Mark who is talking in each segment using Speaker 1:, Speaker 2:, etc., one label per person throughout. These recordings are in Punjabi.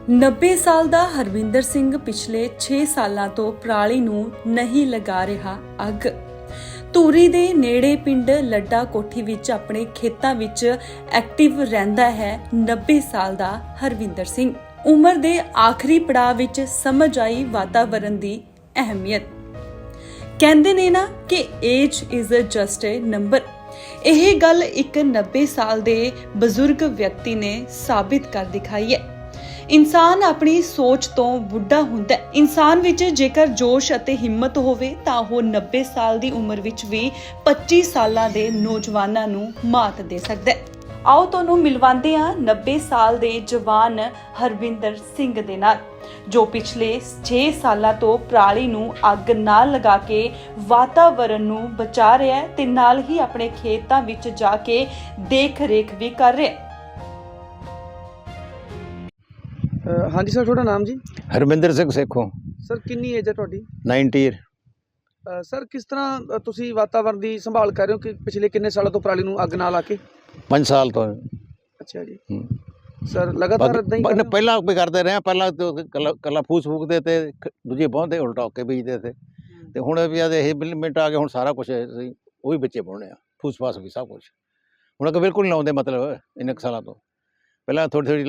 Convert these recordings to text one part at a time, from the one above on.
Speaker 1: 90 ਸਾਲ ਦਾ ਹਰਵਿੰਦਰ ਸਿੰਘ ਪਿਛਲੇ 6 ਸਾਲਾਂ ਤੋਂ ਪਰਾਲੀ ਨੂੰ ਨਹੀਂ ਲਗਾ ਰਿਹਾ ਅੱਗ। ਧੂਰੀ ਦੇ ਨੇੜੇ ਪਿੰਡ ਲੱਡਾ ਕੋਠੀ ਵਿੱਚ ਆਪਣੇ ਖੇਤਾਂ ਵਿੱਚ ਐਕਟਿਵ ਰਹਿੰਦਾ ਹੈ 90 ਸਾਲ ਦਾ ਹਰਵਿੰਦਰ ਸਿੰਘ। ਉਮਰ ਦੇ ਆਖਰੀ ਪੜਾਅ ਵਿੱਚ ਸਮਝ ਆਈ ਵਾਤਾਵਰਣ ਦੀ ਅਹਿਮੀਅਤ। ਕਹਿੰਦੇ ਨੇ ਨਾ ਕਿ age is just a number. ਇਹ ਗੱਲ ਇੱਕ 90 ਸਾਲ ਦੇ ਬਜ਼ੁਰਗ ਵਿਅਕਤੀ ਨੇ ਸਾਬਿਤ ਕਰ ਦਿਖਾਈ ਹੈ। ਇਨਸਾਨ ਆਪਣੀ ਸੋਚ ਤੋਂ ਬੁੱਢਾ ਹੁੰਦਾ ਹੈ। ਇਨਸਾਨ ਵਿੱਚ ਜੇਕਰ ਜੋਸ਼ ਅਤੇ ਹਿੰਮਤ ਹੋਵੇ ਤਾਂ ਉਹ 90 ਸਾਲ ਦੀ ਉਮਰ ਵਿੱਚ ਵੀ 25 ਸਾਲਾਂ ਦੇ ਨੌਜਵਾਨਾਂ ਨੂੰ ਮਾਤ ਦੇ ਸਕਦਾ ਹੈ। ਆਓ ਤੁਹਾਨੂੰ ਮਿਲਵਾਉਂਦੇ ਹਾਂ 90 ਸਾਲ ਦੇ ਜਵਾਨ ਹਰਵਿੰਦਰ ਸਿੰਘ ਦੇ ਨਾਲ, ਜੋ ਪਿਛਲੇ 6 ਸਾਲਾਂ ਤੋਂ ਪਰਾਲੀ ਨੂੰ ਅੱਗ ਨਾ ਲਗਾ ਕੇ ਵਾਤਾਵਰਣ ਨੂੰ ਬਚਾ ਰਿਹਾ ਹੈ ਤੇ ਨਾਲ ਹੀ ਆਪਣੇ ਖੇਤਾਂ ਵਿੱਚ ਜਾ ਕੇ ਦੇਖ ਰੇਖ ਵੀ ਕਰ ਰਿਹਾ ਹੈ।
Speaker 2: हाँ जी सर, थोड़ा नाम जी?
Speaker 3: हरमिंदर सिंह सेखों।
Speaker 2: सर किन्नी एज है ਤੁਹਾਡੀ?
Speaker 3: 90 ईयर।
Speaker 2: सर किस तर੍ਹਾਂ ਤੁਸੀਂ ਵਾਤਾਵਰਣ ਦੀ ਸੰਭਾਲ ਕਰ ਰਹੇ ਹੋ ਕਿ ਪਿਛਲੇ ਕਿੰਨੇ ਸਾਲਾਂ ਤੋਂ ਪਰਾਲੀ ਨੂੰ ਅੱਗ ਨਾ ਲਾ ਕੇ?
Speaker 3: 5 ਸਾਲ ਤੋਂ।
Speaker 2: ਅੱਛਾ ਜੀ। ਸਰ ਲਗਾਤਾਰ ਇਦਾਂ ਹੀ
Speaker 3: ਪਹਿਲਾਂ ਵੀ ਕਰਦੇ ਰਹੇ, ਪਹਿਲਾਂ ਕੱਲਾ ਫੂਸ ਫੂਕਦੇ ਤੇ ਦੂਜੇ ਬਹੁੰਦੇ ਉਲਟਾ ਹੋ ਕੇ ਬੀਜਦੇ ਤੇ ਹੁਣ ਵੀ ਇਹ ਮਿੰਟ ਆ ਗਏ, ਹੁਣ ਸਾਰਾ ਕੁਝ ਉਹ ਵੀ ਬੱਚੇ ਪਾਉਣੇ ਆ, ਫੂਸ ਫਾਸ ਵੀ ਸਭ ਕੁਝ ਹੁਣ ਅੱਗੇ ਬਿਲਕੁਲ ਨਹੀਂ ਲਾਉਂਦੇ। ਮਤਲਬ ਇੰਨੇ ਸਾਲਾਂ ਤੋਂ ਪਹਿਲਾਂ ਥੋੜੀ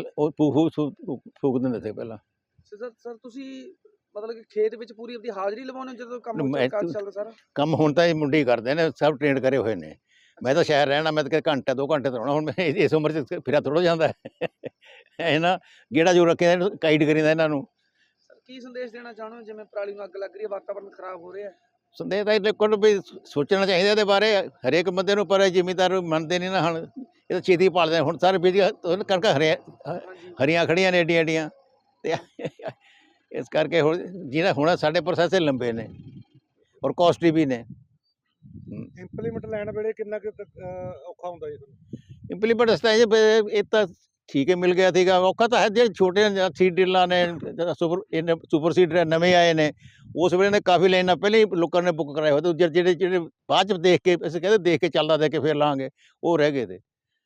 Speaker 3: ਫੂਕ ਦਿੰਦੇ ਸੀ ਪਹਿਲਾਂ।
Speaker 2: ਸਰ ਤੁਸੀਂ ਮਤਲਬ ਕਿ ਖੇਤ ਵਿੱਚ ਪੂਰੀ ਆਪਣੀ ਹਾਜ਼ਰੀ ਲਵਾਉਣੇ ਜਦੋਂ ਕੰਮ ਚੱਲਦਾ ਸਾਰਾ ਕੰਮ?
Speaker 3: ਹੁਣ ਤਾਂ ਇਹ ਮੁੰਡੇ ਹੀ ਕਰਦੇ ਨੇ, ਸਭ ਟ੍ਰੇਨਡ ਕਰੇ ਹੋਏ ਨੇ। ਮੈਂ ਤਾਂ ਸ਼ਹਿਰ ਰਹਿਣਾ, ਮੈਂ ਤਾਂ ਘੰਟਾ 2 ਘੰਟੇ ਤੋਂ ਹੁਣ ਮੈਂ ਇਸ ਉਮਰ 'ਚ ਫਿਰਾ ਥੋੜ੍ਹਾ ਜਾਂਦਾ ਹੈ ਨਾ, ਗੇੜਾ ਜੋ ਰੱਖਿਆ ਕਾਈਡ ਕਰੀਦਾ ਇਹਨਾਂ ਨੂੰ।
Speaker 2: ਸਰ ਕੀ ਸੰਦੇਸ਼ ਦੇਣਾ ਚਾਹੁੰਦੇ ਹੋ, ਜਿਵੇਂ ਪਰਾਲੀ ਨੂੰ ਅੱਗ ਲੱਗ ਰਹੀ ਹੈ, ਵਾਤਾਵਰਨ ਖਰਾਬ ਹੋ ਰਿਹਾ ਹੈ?
Speaker 3: ਸੰਦੇਸ਼ ਤਾਂ ਦੇਖੋ ਵੀ ਸੋਚਣਾ ਚਾਹੀਦਾ ਇਹਦੇ ਬਾਰੇ ਹਰੇਕ ਬੰਦੇ ਨੂੰ, ਪਰ ਜ਼ਿਮੀਂਦਾਰ ਮੰਨਦੇ ਨਹੀਂ ਨਾ। ਹੁਣ ਇਹ ਤਾਂ ਛੇਤੀ ਪਾਲਦੇ ਹੁਣ ਸਾਰੇ ਬੀਜ ਕਣਕਾਂ ਹਰੀਆਂ ਖੜੀਆਂ ਨੇ ਏਡੀਆਂ ਏਡੀਆਂ, ਤੇ ਇਸ ਕਰਕੇ ਹੁਣ ਜਿਹਦਾ ਹੁਣ ਸਾਡੇ ਪ੍ਰੋਸੈਸ ਲੰਬੇ ਨੇ ਔਰ ਕਾਸਟਲੀ ਵੀ ਨੇ।
Speaker 2: ਇੰਪਲੀਮੈਂਟ ਲੈਣ ਵੇਲੇ ਕਿੰਨਾ ਕੁ ਔਖਾ ਹੁੰਦਾ ਜੀ ਤੁਹਾਨੂੰ?
Speaker 3: ਇੰਪਲੀਮੈਂਟ ਰਸਤਾ ਇਹ ਤਾਂ ਠੀਕ ਹੈ, ਮਿਲ ਗਿਆ ਸੀਗਾ। ਔਖਾ ਤਾਂ ਹੈ ਜਿਹੜੇ ਛੋਟੇ ਸੀਡ ਡਿਲਾਂ ਨੇ, ਸੁਪਰ ਸੀਡਰ ਨਵੇਂ ਆਏ ਨੇ, ਉਸ ਵੇਲੇ ਨੇ ਕਾਫੀ ਲਾਈਨਾਂ ਪਹਿਲਾਂ ਹੀ ਲੋਕਾਂ ਨੇ ਬੁੱਕ ਕਰਾਏ ਹੋਏ ਤੇ ਜਿਹੜੇ ਬਾਅਦ 'ਚ ਦੇਖ ਕੇ ਅਸੀਂ ਕਹਿੰਦੇ ਦੇਖ ਕੇ ਚੱਲਦਾ ਦੇ ਕੇ ਫਿਰ ਲਾਂਗੇ, ਉਹ ਰਹਿ ਗਏ ਤੇ।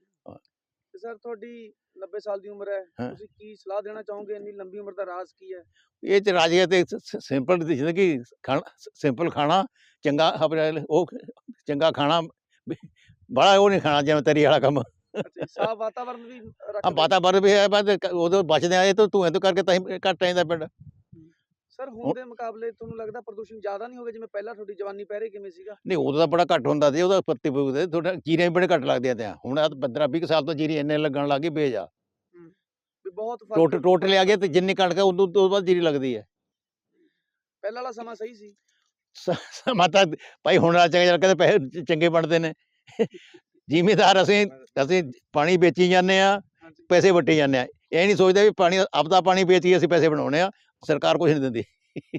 Speaker 2: ਸਰ ਤੁਹਾਡੀ 90 ਸਾਲ ਦੀ ਉਮਰ ਹੈ, ਤੁਸੀਂ ਕੀ ਸਲਾਹ ਦੇਣਾ ਚਾਹੋਗੇ? ਇੰਨੀ ਲੰਬੀ ਉਮਰ ਦਾ ਰਾਜ਼ ਕੀ ਹੈ?
Speaker 3: ਇਹ 'ਚ ਰਾਜ ਹੈ ਤੇ ਸਿੰਪਲ ਜ਼ਿੰਦਗੀ, ਸਿੰਪਲ ਖਾਣਾ, ਚੰਗਾ ਆਪਣੇ ਉਹ ਚੰਗਾ ਖਾਣਾ, ਬੜਾ ਉਹ ਨਹੀਂ ਖਾਣਾ ਜਿਵੇਂ ਤਰੀ ਵਾਲਾ ਕੰਮ।
Speaker 2: ਸਾਫ ਵਾਤਾਵਰਨ ਵੀ
Speaker 3: ਵਾਤਾਵਰਨ ਵੀ ਹੈ, ਬਸ ਉਦੋਂ ਬਚਦੇ ਆਏ ਤਾਂ ਧੂਏ ਤੋਂ ਕਰਕੇ ਤਾਂ ਘੱਟ ਆਉਂਦਾ ਪਿੰਡ।
Speaker 2: ਸਰ ਹੁਣ ਦੇ ਮੁਕਾਬਲੇ ਤੁਹਾਨੂੰ ਲੱਗਦਾ ਪ੍ਰਦੂਸ਼ਣ ਜ਼ਿਆਦਾ ਨਹੀਂ ਹੋ ਗਿਆ, ਜਿਵੇਂ ਪਹਿਲਾਂ ਤੁਹਾਡੀ ਜਵਾਨੀ ਪਹਿਰੇ ਕਿਵੇਂ ਸੀਗਾ?
Speaker 3: ਨਹੀਂ, ਉਦੋਂ ਤਾਂ ਬੜਾ ਘੱਟ ਹੁੰਦਾ ਸੀ, ਉਹਦਾ ਪੱਤੀ ਫੂਕਦੇ ਥੋੜਾ, ਜੀਰੀਆਂ ਵੀ ਬੜੇ ਘੱਟ ਲੱਗਦੀਆਂ ਤੇ ਹੁਣ 15-20 ਸਾਲ ਤੋਂ ਜੀਰੀ ਇੰਨੇ ਲੱਗਣ ਲੱਗ ਗਈ ਬੇਜਾ।
Speaker 2: ਬਹੁਤ ਫਰਕ
Speaker 3: ਟੋਟਲ ਆ ਗਿਆ ਤੇ ਜਿੰਨੀ ਕਣਕ ਹੈ ਉਦੋਂ ਤੋਂ ਬਾਅਦ ਜੀਰੀ ਲੱਗਦੀ ਹੈ।
Speaker 2: ਪਹਿਲਾਂ ਵਾਲਾ ਸਮਾਂ ਸਹੀ ਸੀ?
Speaker 3: ਸਮਾਂ ਤਾਂ ਭਾਈ ਹੁਣ ਵਾਲਾ ਚੰਗਾ, ਕਹਿੰਦੇ ਪੈਸੇ ਚੰਗੇ ਬਣਦੇ ਨੇ। ਜ਼ਿਮੀਂਦਾਰ ਅਸੀਂ ਪਾਣੀ ਵੇਚੀ ਜਾਂਦੇ ਆ, ਪੈਸੇ ਵੱਟੀ ਜਾਂਦੇ ਆ। ਇਹ ਨਹੀਂ ਸੋਚਦੇ ਵੀ ਪਾਣੀ ਆਪਦਾ ਪਾਣੀ ਵੇਚ ਕੇ ਅਸੀਂ ਪੈਸੇ ਬਣਾਉਣੇ ਆ, ਸਰਕਾਰ ਕੁਝ ਨਹੀਂ ਦਿੰਦੀ।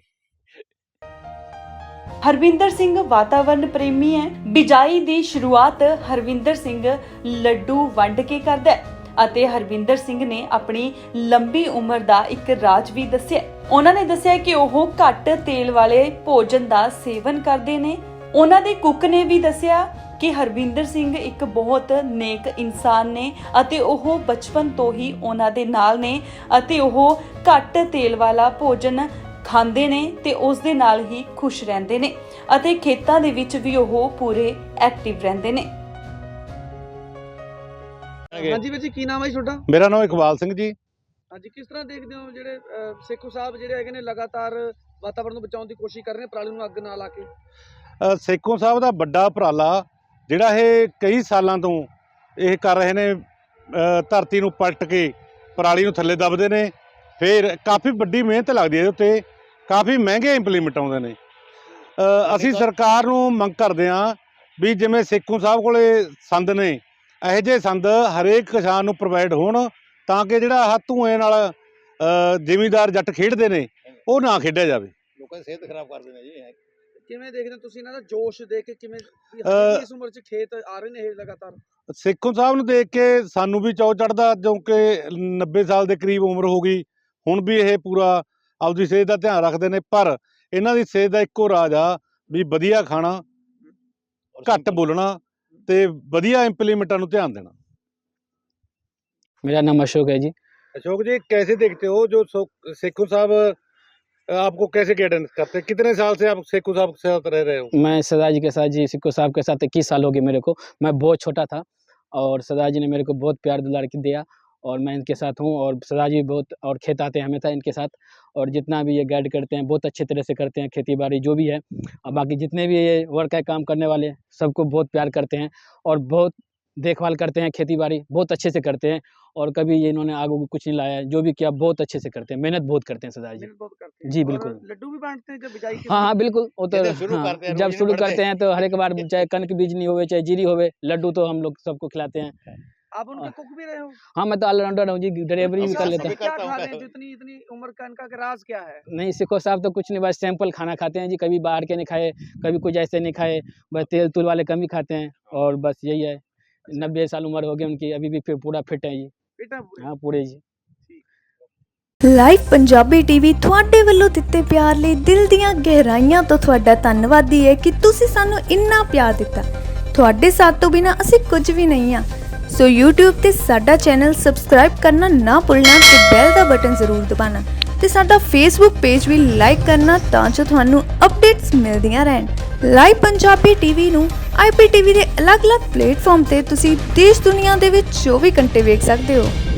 Speaker 1: ਹਰਵਿੰਦਰ ਸਿੰਘ ਵਾਤਾਵਰਣ ਪ੍ਰੇਮੀ ਹੈ। ਬਿਜਾਈ ਦੀ ਸ਼ੁਰੂਆਤ ਹਰਵਿੰਦਰ ਸਿੰਘ ਲੱਡੂ ਵੰਡ ਕੇ ਕਰਦਾ ਹੈ ਅਤੇ ਹਰਵਿੰਦਰ ਸਿੰਘ ਨੇ ਆਪਣੀ ਲੰਬੀ ਉਮਰ ਦਾ ਇੱਕ ਰਾਜ ਵੀ ਦੱਸਿਆ। ਉਹਨਾਂ ਨੇ ਦੱਸਿਆ ਕਿ ਉਹ ਘੱਟ ਤੇਲ ਵਾਲੇ ਭੋਜਨ ਦਾ ਸੇਵਨ ਕਰਦੇ ਨੇ। ਉਹਨਾਂ ਦੇ ਕੁੱਕ ਨੇ ਵੀ ਦੱਸਿਆ ਕਿ ਹਰਵਿੰਦਰ ਸਿੰਘ ਇੱਕ ਬਹੁਤ ਨੇਕ ਇਨਸਾਨ ਨੇ ਅਤੇ ਉਹ ਬਚਪਨ ਤੋਂ ਹੀ ਉਹਨਾਂ ਦੇ ਨਾਲ ਨੇ ਅਤੇ ਉਹ ਘੱਟ ਤੇਲ ਵਾਲਾ ਭੋਜਨ ਖਾਂਦੇ ਨੇ ਤੇ ਉਸ ਦੇ ਨਾਲ ਹੀ ਖੁਸ਼ ਰਹਿੰਦੇ ਨੇ ਅਤੇ ਖੇਤਾਂ ਦੇ ਵਿੱਚ ਵੀ ਉਹ ਪੂਰੇ ਐਕਟਿਵ ਰਹਿੰਦੇ ਨੇ।
Speaker 2: ਹਾਂਜੀ ਵੀਰ ਜੀ, ਕੀ ਨਾਮ ਹੈ ਜੀ ਤੁਹਾਡਾ?
Speaker 4: ਮੇਰਾ ਨਾਮ ਇਕਬਾਲ ਸਿੰਘ ਜੀ।
Speaker 2: ਹਾਂਜੀ, ਕਿਸ ਤਰ੍ਹਾਂ ਦੇਖਦੇ ਹੋ ਜਿਹੜੇ ਸੇਖੋਂ ਸਾਹਿਬ ਜਿਹੜੇ ਹੈਗੇ ਨੇ ਲਗਾਤਾਰ ਵਾਤਾਵਰਨ ਨੂੰ ਬਚਾਉਣ ਦੀ ਕੋਸ਼ਿਸ਼ ਕਰ ਰਹੇ ਨੇ, ਪਰਾਲੀ ਨੂੰ ਅੱਗ ਨਾ ਲਾ ਕੇ?
Speaker 4: ਸੇਖੋਂ ਸਾਹਿਬ ਦਾ ਵੱਡਾ ਉਪਰਾਲਾ ਜਿਹੜਾ ਇਹ ਕਈ ਸਾਲਾਂ ਤੋਂ ਇਹ ਕਰ ਰਹੇ ਨੇ, ਧਰਤੀ ਨੂੰ ਪਲਟ ਕੇ ਪਰਾਲੀ ਨੂੰ ਥੱਲੇ ਦੱਬਦੇ ਨੇ, ਫਿਰ ਕਾਫੀ ਵੱਡੀ ਮਿਹਨਤ ਲੱਗਦੀ ਹੈ ਇਹਦੇ ਉੱਤੇ, ਕਾਫੀ ਮਹਿੰਗੇ ਇੰਪਲੀਮੈਂਟ ਆਉਂਦੇ ਨੇ। ਅਸੀਂ ਸਰਕਾਰ ਨੂੰ ਮੰਗ ਕਰਦੇ ਹਾਂ ਵੀ ਜਿਵੇਂ ਸੇਖੋਂ ਸਾਹਿਬ ਕੋਲੇ ਸੰਦ ਨੇ, ਇਹੋ ਜਿਹੇ ਸੰਦ ਹਰੇਕ ਕਿਸਾਨ ਨੂੰ ਪ੍ਰੋਵਾਈਡ ਹੋਣ, ਤਾਂ ਕਿ ਜਿਹੜਾ ਆਹ ਧੂਏ ਨਾਲ ਜ਼ਿਮੀਂਦਾਰ ਜੱਟ ਖੇਡਦੇ ਨੇ ਉਹ ਨਾ ਖੇਡਿਆ ਜਾਵੇ।
Speaker 3: ਲੋਕਾਂ ਦੀ ਸਿਹਤ ਖਰਾਬ ਕਰਦੇ ਨੇ ਜੀ।
Speaker 2: ਕਿਵੇਂ ਦੇਖਦੇ ਹੋ ਤੁਸੀਂ ਇਹਨਾਂ ਦਾ ਜੋਸ਼ ਦੇਖ ਕੇ, ਕਿਵੇਂ ਇਸ ਉਮਰ 'ਚ ਖੇਤ ਆ ਰਹੇ ਨੇ ਇਹ ਲਗਾਤਾਰ?
Speaker 4: ਸੇਖੋਂ ਸਾਹਿਬ ਨੂੰ ਦੇਖ ਕੇ ਸਾਨੂੰ ਵੀ ਚਾਅ ਚੜ੍ਹਦਾ, ਕਿਉਂਕਿ 90 ਸਾਲ ਦੇ ਕਰੀਬ ਉਮਰ ਹੋ ਗਈ, ਹੁਣ ਵੀ ਇਹ ਪੂਰਾ ਆਪਦੀ ਸਿਹਤ ਦਾ ਧਿਆਨ ਰੱਖਦੇ ਨੇ। ਪਰ ਇਹਨਾਂ ਦੀ ਸਿਹਤ ਦਾ ਇੱਕੋ ਰਾਜ ਆ ਵੀ ਵਧੀਆ ਖਾਣਾ, ਘੱਟ ਬੋਲਣਾ ਤੇ ਵਧੀਆ ਇੰਪਲੀਮੈਂਟਾਂ ਨੂੰ ਧਿਆਨ ਦੇਣਾ।
Speaker 5: मेरा नाम अशोक है जी।
Speaker 4: अशोक जी, कैसे देखते हो जो सेखू साहब आपको कैसे गाइडेंस करते हैं? कितने साल से आप सेखू साहब के साथ रह रहे हो?
Speaker 5: मैं सरदार जी के साथ, जी सिक्को साहब के साथ 21 साल हो गए मेरे को। मैं बहुत छोटा था और सरदार जी ने मेरे को बहुत प्यार दुलार दिया और मैं इनके साथ हूँ। और सरदार जी बहुत और खेत आते हैं हमेशा इनके साथ, और जितना भी ये गाइड करते हैं बहुत अच्छे तरह से करते हैं, खेती बाड़ी जो भी है। और बाकी जितने भी ये वर्क है काम करने वाले सबको बहुत प्यार करते हैं और बहुत देखभाल करते हैं, खेती बाड़ी बहुत अच्छे से करते हैं। और कभी ये इन्होंने आग उग कुछ नहीं लाया है, जो भी किया बहुत अच्छे से करते हैं, मेहनत बहुत करते हैं सरदार जी।
Speaker 2: मेहनत बहुत करते हैं।
Speaker 5: जी,
Speaker 2: और
Speaker 5: बिल्कुल।
Speaker 2: लड्डू भी बांटते हैं जब बिजाई के
Speaker 5: हाँ हाँ बिल्कुल, वो तो
Speaker 3: जब शुरू
Speaker 5: हाँ,
Speaker 3: करते हैं,
Speaker 5: जब
Speaker 3: रोज
Speaker 5: शुरू
Speaker 3: नहीं
Speaker 5: करते हैं तो हर एक बार चाहे कनक बीजनी होवे चाहे जीरी होवे, लड्डू तो हम लोग सबको खिलाते हैं।
Speaker 2: आप उनके कुक भी रहे हो?
Speaker 5: हाँ, मैं तो ऑलराउंडर हूँ जी, डिलीवरी भी
Speaker 3: अच्छा,
Speaker 5: कर
Speaker 3: सब
Speaker 5: लेता
Speaker 3: भी
Speaker 5: हूँ।
Speaker 2: क्या
Speaker 3: करता हूँ।
Speaker 2: खा रहे हैं जो इतनी इतनी उम्र का इनका राज क्या है?
Speaker 5: नहीं, सिक्को साहब तो कुछ नहीं, बस सिंपल खाना खाते हैं जी, कभी बाहर के नहीं खाए, कभी कुछ ऐसे नहीं खाए, बस तेल तुल वाले कम ही खाते हैं। और बस यही है, 90 साल उम्र हो गई उनकी, अभी भी फिर पूरा फिट है जी।
Speaker 2: बेटा पूरे
Speaker 5: हाँ पूरे जी।
Speaker 6: ਲਾਈਵ ਪੰਜਾਬੀ ਟੀਵੀ ਤੁਹਾਡੇ ਵੱਲੋਂ ਦਿੱਤੇ ਪਿਆਰ ਲਈ ਦਿਲ ਦੀਆਂ ਗਹਿਰਾਈਆਂ ਤੋਂ ਤੁਹਾਡਾ ਧੰਨਵਾਦੀ ਹੈ ਕਿ ਤੁਸੀਂ ਸਾਨੂੰ ਇੰਨਾ ਪਿਆਰ ਦਿੱਤਾ। ਤੁਹਾਡੇ ਸਾਥ ਤੋਂ ਬਿਨਾ ਅਸੀਂ ਕੁਝ ਵੀ ਨਹੀਂ ਆ। ਸੋ YouTube ਤੇ ਸਾਡਾ ਚੈਨਲ ਸਬਸਕ੍ਰਾਈਬ ਕਰਨਾ ਨਾ ਭੁੱਲਣਾ ਤੇ ਬੈਲ ਦਾ ਬਟਨ ਜ਼ਰੂਰ ਦਬਾਉਣਾ ਤੇ ਸਾਡਾ Facebook ਪੇਜ ਵੀ ਲਾਈਕ ਕਰਨਾ ਤਾਂ ਜੋ ਤੁਹਾਨੂੰ ਅਪਡੇਟਸ ਮਿਲਦੀਆਂ ਰਹਿਣ। ਲਾਈਵ ਪੰਜਾਬੀ ਟੀਵੀ ਨੂੰ IPTV ਦੇ ਅਲੱਗ-ਅਲੱਗ ਪਲੇਟਫਾਰਮ ਤੇ ਤੁਸੀਂ ਦੇਸ਼ ਦੁਨੀਆ ਦੇ ਵਿੱਚ 24 ਘੰਟੇ ਵੇਖ ਸਕਦੇ ਹੋ।